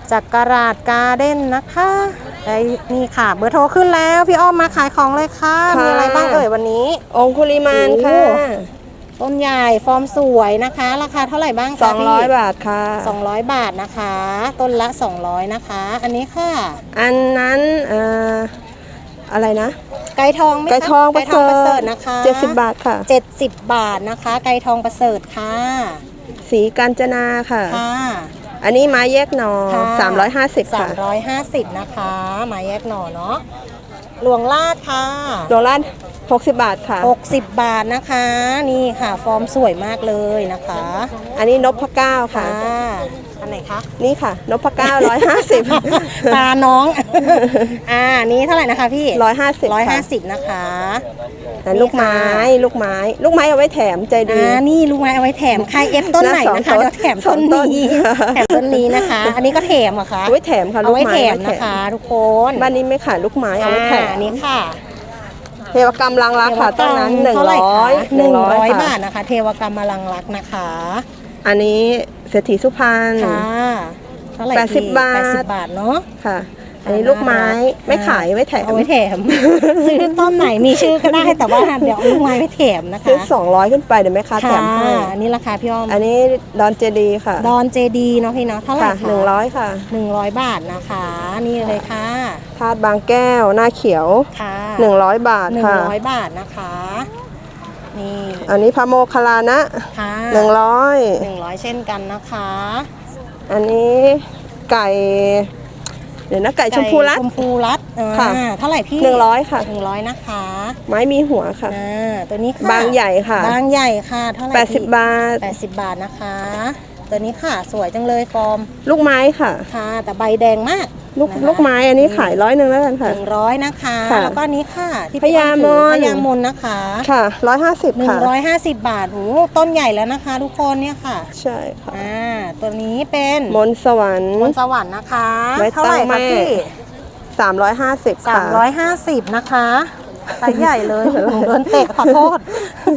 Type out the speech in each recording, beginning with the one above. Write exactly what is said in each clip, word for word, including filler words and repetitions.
จากกราดการ์เด้นนะคะไอ้นี่ค่ะเบอร์โทรขึ้นแล้วพี่อ้อมมาขายของเลยค่ะมีอะไรบ้างเอ่ยวันนี้องคุลิมานค่ะต้นใหญ่ฟอร์มสวยนะคะราคาเท่าไหร่บ้างคะสองร้อยบาทค่ะสองร้อยบาทนะคะต้นละสองร้อยนะคะอันนี้ค่ะอันนั้นเอ่ออะไรนะไก่ทองไหมคะไก่ทองประเสริฐนะคะเจ็ดสิบบาทค่ะเจ็ดสิบบาทนะคะไก่ทองประเสริฐค่ะสีกาญจนาค่ะค่ะอันนี้ไม้แยกหน่อสามร้อยห้าสิบค่ะสามร้อยห้าสิบนะคะไม้แยกหน่อเนาะหลวงลาดค่ะหลวงลาดหกสิบบาทค่ะหกสิบบาทนะคะนี่ค่ะฟอร์มสวยมากเลยนะคะอันนี้นพเก้าค่ะอันไหนคะนี่ค่ะนพเก้าร้อยห้าสิบตาน้องอ่านี้เท่าไหร่นะคะพี่ร้อยห้าสิบร้อยห้าสิบนะคะลูกไม้ลูกไม้ลูกไม้เอาไว้แถมใจดีอ่านี่ลูกไม้เอาไว้แถมใครเอฟต้นไหนนะคะเดี๋ยวแถมต้นนี้แถมต้นนี้นะคะอันนี้ก็แถมอะคะเอาไว้แถมค่ะเอาไว้แถมนะคะทุกคนบ้านนี้ไม่ขายลูกไม้เอาไว้แถมอันนี้ค่ะเทวกรรมลังรักค่ะต้นนั้นหนึ่งร้อยหนึ่งร้อยบาทนะคะเทวกรรมลังรักนะคะอันนี้เศรษฐีสุพรรณค่ะเท่าไหร่แปดสิบบาทแปดสิบบาทเนาะค่ะอันนี้ลูกไม้ไม่ขายไว้แถมเอาไว้แถมซื้อต้นไหนมีชื่อก็ได้แต่ว่าเดี๋ยวลูกไม้ไว้แถมนะคะซื้อสองร้อยขึ้นไปเดี๋ยวแม่ค้าแถมให้อันนี้ราคาพี่อ้อมอันนี้ดอนเจดีค่ะดอนเจดีเนาะพี่เนาะเท่าไหร่คะหนึ่งร้อยค่ะหนึ่งร้อยบาทนะคะนี่เลยค่ะธาตุบางแก้วหน้าเขียวค่ะหนึ่งร้อยบาทค่ะหนึ่งร้อยบาทนะคะนี่อันนี้พระโมคคัลลานะค่ะหนึ่งร้อยหนึ่งร้อยเช่นกันนะคะอันนี้ไก่เดี๋ยวนะไก่ชมพูรัดชมพูรัดค่ะเท่าไหร่พี่หนึ่งร้อยค่ะหนึ่งร้อยนะคะไม้มีหัวค่ะอ่าตัวนี้ค่ะบางใหญ่ค่ะบางใหญ่ค่ะเท่าไหร่แปดสิบบาทแปดสิบบาทนะคะตัวนี้ค่ะสวยจังเลยฟอร์มลูกไม้ค่ะค่ะแต่ใบแดงมากลูกลูกไม้อันนี้ขายร้อยหนึ่งแล้วกันค่ะหนึ่งร้อยนะคะแล้วก็นี้ค่ะที่พญามนพญามนนะคะค่ะร้อยห้าสิบหนึ่งร้อยห้าสิบบาทโอ้ต้นใหญ่แล้วนะคะทุกคนเนี่ยค่ะใช่ค่ะอ่าตัวนี้เป็นมนสวรรค์มนสวรรค์นะคะเท่าไหร่คะพี่สามร้อยห้าสิบค่ะสามร้อยห้าสิบนะคะไซส์ใหญ่เลยหนูโดนเตะขอโทษ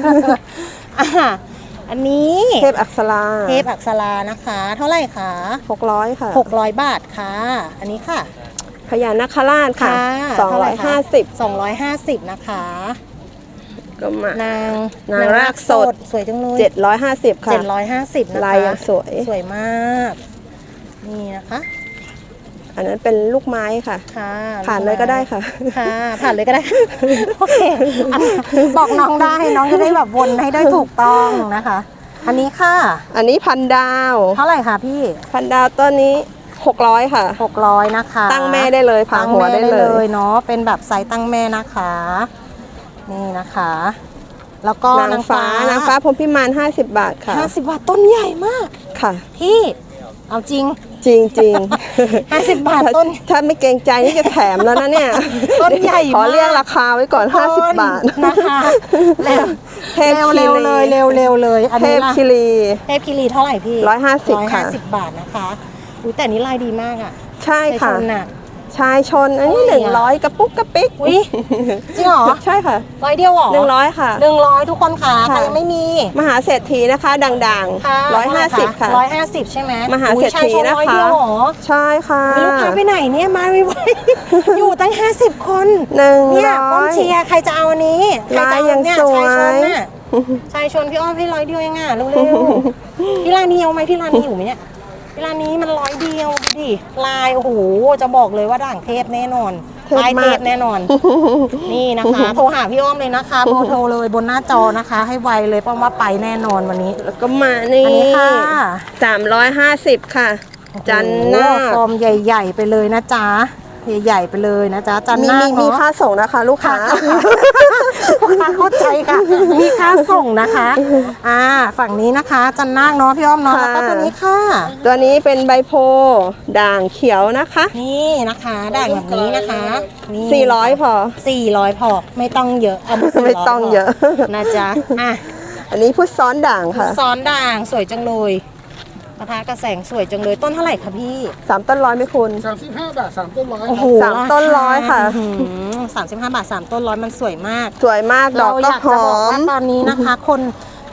อันนี้เทพอักษราเทพอักษรานะคะเท่าไหร่คะหกร้อยค่ะหกร้อยบาทค่ะอันนี้ค่ะพญานาคราชค่ะสองร้อยห้าสิบสองร้อยห้าสิบนะคะก็มานางนางรากสดสวยจังเลยเจ็ดร้อยห้าสิบค่ะเจ็ดร้อยห้าสิบนะคะลายยังสวยสวยมากนี่นะคะอันนั้นเป็นลูกไม้ค่ะค่ะผ่านเลยก็ได้ค่ะค่ะผ่านเลยก็ได้โอเคบอกน้องได้น้องจะได้แบบวนให้ได้ถูกต้องนะคะอันนี้ค่ะอันนี้พันดาวเท่าไหร่คะพี่พันดาวต้นนี้หกร้อยค่ะหกร้อยนะคะตั้งแม่ได้เลยผ่าหัวได้เลยเนาะเป็นแบบไซส์ตั้งแม่นะคะนี่นะคะแล้วก็นางฟ้านางฟ้าพรหมพิมานห้าสิบบาทค่ะห้าสิบบาทต้นใหญ่มากค่ะพี่เอาจริงจริงจริงห้าสิบบาทต้นถ้าไม่เกรงใจนี่จะแถมแล้วนะเนี่ยต้นใหญ่ขอเรียกราคาไว้ก่อนห้าสิบบาทนะคะเร็วเร็วเร็วเลยเร็วเร็วเลยเทพคิรีเทพคิรีเท่าไหร่พี่ร้อยห้าสิบค่ะร้อยห้าสิบบาทนะคะอุ้ยแต่นี้ลายดีมากอ่ะใช่ค่ะชายชนอันนี้หนึ่งร้อยกระปุกกระปิกอุ้ยจริงเหรอใช่ค่ะร้อยเดียวเหรอหนึ่งร้อยค่ะหนึ่งร้อยทุกคนค่ะใครยังไม่มีมหาเศรษฐีนะคะดังๆร้อยห้าสิบค่ะร้อยห้าสิบใช่ไหมมหาเศรษฐีนะคะใช่ค่ะลูกค้าไปไหนเนี่ยมาไวๆอยู่ตั้งห้าสิบคนหนึ่งเนี่ยป้อมเชียร์ใครจะเอาอันนี้ใครจะเอาเนี่ยชายชนน่ะชายชนพี่อ้อมพี่ร้อยเดียวเองอ่ะเร็วๆพี่ร้านนี้เอาไหมพี่ร้านนี้อยู่ไหมเนี่ยร้านนี้มันร้อยเดียวดิลายโอ้โหจะบอกเลยว่าด่างเทพแน่นอนลายเทพแน่นอนนี่นะคะโทรหาพี่อ้อมเลยนะคะโทรโทรเลยบนหน้าจอนะคะให้ไวเลยเพราะว่าไปแน่นอนวันนี้แล้วก็มานี่ค่ะสามร้อยห้าสิบค่ะจันหน้าฟอร์มใหญ่ๆไปเลยนะจ๊ะใหญ่ๆไปเลยนะจ๊ะจันหน้ามีมีค่าส่งนะคะลูกค้าลูกค้าเข้าใจค่ะมีค่าส่งนะคะอ่าฝั่งนี้นะคะจันนาคเนาะพี่อ้อมเนาะแล้วก็ตัวนี้ค่ะตัวนี้เป็นใบโพด่างเขียวนะคะนี่นะคะด่างแบบนี้นะคะนี่สี่ร้อยพอสี่ร้อยพอไม่ต้องเยอะเอาไม่ต้องเยอะนะจ๊ะอ่ะอันนี้พุทธซ้อนด่างค่ะซ้อนด่างสวยจังเลยปะทะกระแสงสวยจังเลยต้นเท่าไหร่คะพี่สามต้นร้อยไหมคุณสามสิบห้าบาทสามต้นร้อยสามต้นร้อยค่ะสามสิบห้าบาทสามต้นร้อยมันสวยมากสวยมากดอกก็หอมตอนนี้นะคะคนค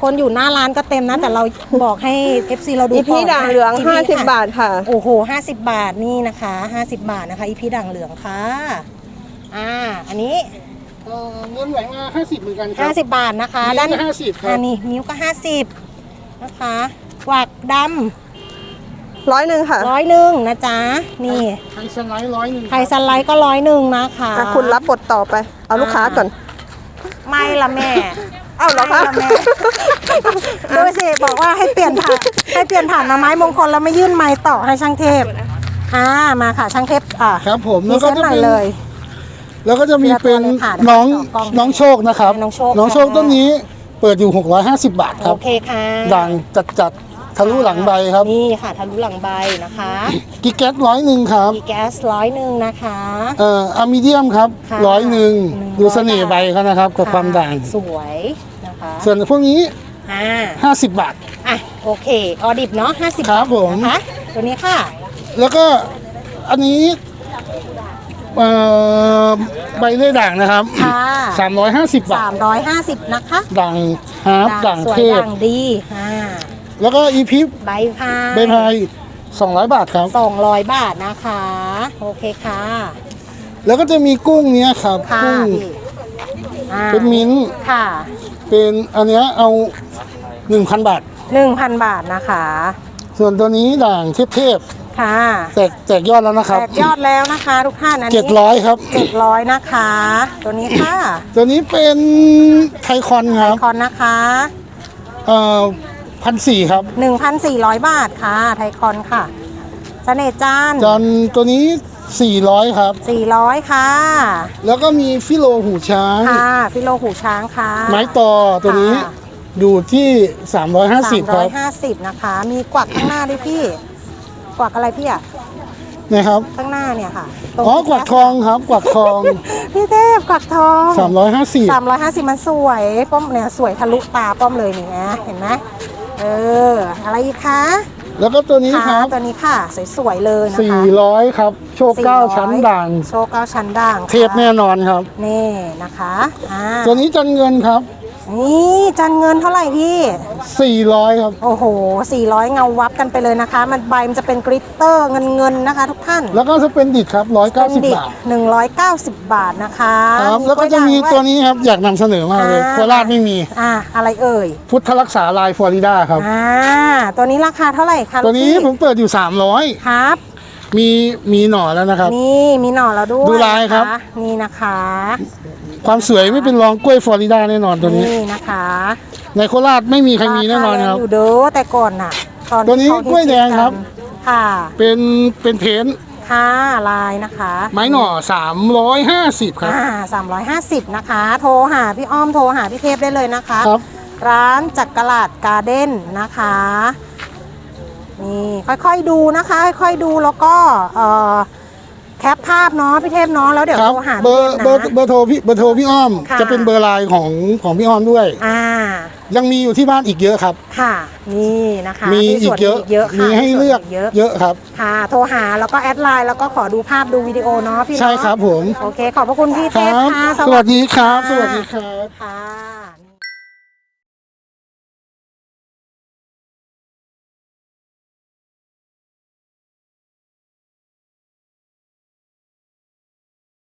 คนอยู่หน้าร้านก็เต็มนะ แต่เราบอกให้ เอฟ ซี เราดูอีพีด่างเหลืองอีพีห้าสิบค่ะบาทค่ะโอ้โหห้าสิบบาทนี่นะคะห้าสิบบาทนะคะอีพีด่างเหลืองค่ะอ่าอันนี้เอ่อเงินไหลมาห้าสิบเหมือนกันครัห้าสิบบาทนะคะนิ้วด้านก็ห้าสิบครับอันนี้นิ้วก็ห้าสิบนะคะกวักดร้อยหนึ่งค่ะำร้อยหนึ่งนะจ๊ะนี่ไทยสไลด์ร้อยหนึ่งไทยสไลด์ก็ร้อยหนึ่งนะคะอ่ะคุณรับบทต่อไป เอาลูกค้าก่อนไม่ละแม่เอ้าเหรอคะไม่ละแม่ดูสิบอกว่าให้เปลี่ยนผ่านให้เปลี่ยนผ่านมาไม้มงคลแล้วไม่ยื่นไม้ต่อให้ช่างเทพอ่ามาค่ะช่างเทพอ่ะครับผมมีแล้วก็เส้นจะหน่อยเป็นเลยแล้วก็จะมีเป็นทีละตัวเลยค่ะน้องเดี๋ยวขอกล้องน้องโชคนะครับน้องโชคน้องโชคค่ะต้นนี้เปิดอยู่หกร้อยห้าสิบบาทครัโอบ เคค่ะด่างจัดจัดๆทะลุหลังใบครับนี่ค่ะทะลุหลังใบนะคะกิกแก๊สร้อยหนึ่งครับมีแก๊สร้อยหนึ่งนะคะเอ่ออะมิเดียมครับค่ะร้อยหนึ่งหนึ่งร้อยดูเสน่ห์ใบเขานะครับกับความด่างสวยนะคะส่วนพวกนี้อ่าห้าสิบบาทอ่ะโอเคออดิบเนาะห้าสิบครับผมนะคะตัวนี้ค่ะแล้วก็อันนี้เอ่อใบเลื่อยด่างนะครับค่ะสามร้อยห้าสิบบาสาทมร้อยห้าสิบนะคะด่างฮาร์ปด่างสวยเทพด่างดีอ่าแล้วก็อีพิฟใบพายใบพายสองร้อยบาทครับสองร้อยบาทนะคะ โอเคค่ะแล้วก็จะมีกุ้งเนี้ยครับค่ะกุ้งพี่อ่าเป็นมิ้นท์ค่ะเป็นอันเนี้ยเอาหนึ่งพันบาทหนึ่งพันบาทนะคะส่วนตัวนี้ด่างเทพค่ะๆแตกแตกยอดแล้วนะครับแตกยอดแล้วนะคะทุกท่านอันเจ็ดนี้ร้อยครับเจ็ดร้อยนะคะ ตัวนี้ค่ะตัวนี้เป็นไทคอนครับคอนนะคะเอ่อพันสี่ครับหนึ่งพันสี่ร้อยบาทค่ะ ไทคอนค่ะเสน่ห์จานจานตัวนี้สี่ร้อยครับสี่ร้อยค่ะแล้วก็มีฟิโลหูช้างค่ะ ฟิโลหูช้างค่ะไม้ต่อตัวนี้ค่ะอยู่ที่สามร้อยห้าสิบคสามร้รัอบ ยห้าสิบนะคะ มีกวักข้างหน้าด้วยพี่ กวักอะไรพี่อะนะครับข้างหน้าเนี่ยค่ะตรงอ๋อกวักทองครับกวักทองพี่เทพกวักทองสามร้อยห้าสิบสามร้อยห้าสิบมันสวยป้อมเนี่ยสวยทะลุตาป้อมเลยนี่นะเห็นไหมเอออะไรอีกคะแล้วก็ตัวนี้คค่ะรับตัวนี้ค่ะสวยๆเลยนะคะสี่ร้อยครับ โชคเก้าสี่ร้อยชั้นด่างโชว์เก้าชั้นด่างเทพแน่นอนครับนี่นะคะอ่าตัวนี้จันเงินครับนี่จันเงินเท่าไหร่พี่สี่ร้อยครับโอ้โหสี่ร้อยเงาวับกันไปเลยนะคะ มันใบมันจะเป็นกริตเตอร์เงินเงินๆนะคะ ทุกท่านแล้วก็สเปนดิตครับร้อยเก้าสิบดิบาทหนึ่งร้อยเก้าสิบบาทนะคะครับ แล้วก็จะมีล้ยตัวด่างนี้ครับ อยากนำเสนอมากเลยอ่าโคราชไม่มีอ่าอะไรเอ่ยพุทธรักษาลายฟลอริดาครับอ่าตัวนี้ราคาเท่าไหร่คะตัวนี้ลูกพี่ผมเปิดอยู่สามร้อยครับมีมีหน่อแล้วนะครับนี่มีหน่อแล้วด้วยดูลายครับนะะนี่นะคะความสวยไม่เป็นรองกล้วยฟลอริดาแน่นอนตัวนี้นี่นะคะในโคราชไม่มีใครมีแน่นอนครับาาแงอยู่เด้อแต่ก่อนน่ะตอนตัวนี้ที่เขากล้วยแดงครับค่ะเป็นเป็นเพนท์ค่ะลายนะคะไม้หน่อสามร้อยห้าสิบครับอ่าสามร้อยห้าสิบนะคะ โทรหาพี่อ้อมโทรหาพี่เทพได้เลยนะคะครับร้านจักรลาดการ์เด้นนะคะนี่ค่อยๆดูนะคะ ค่อยๆดูแล้วก็เอ่อแคปภาพเนาะพี่เทพเนาะแล้วเดี๋ยวครับโทรหาเบอพี่ร์เทพเบอร์นะเบอร์โทรพี่เบอร์โทรพี่อ้อมค่ะจะเป็นเบอร์ไลน์ของของพี่อ้อมด้วยอ่ายังมีอยู่ที่บ้านอีกเยอะครับค่ะนี่นะคะมีที่อีสกวนเยอะเยอะค่ะมีให้เลือกเยอะเยอะครับค่ะ โทรหาแล้วก็แอดไลน์แล้วก็ขอดูภาพดูวิดีโอเนาะพี่เนาะใช่ครับผมโอเค ขอบพระคุณพี่คเทพรับค่ะสวัสดีครับะสวัสดีครับค่ะ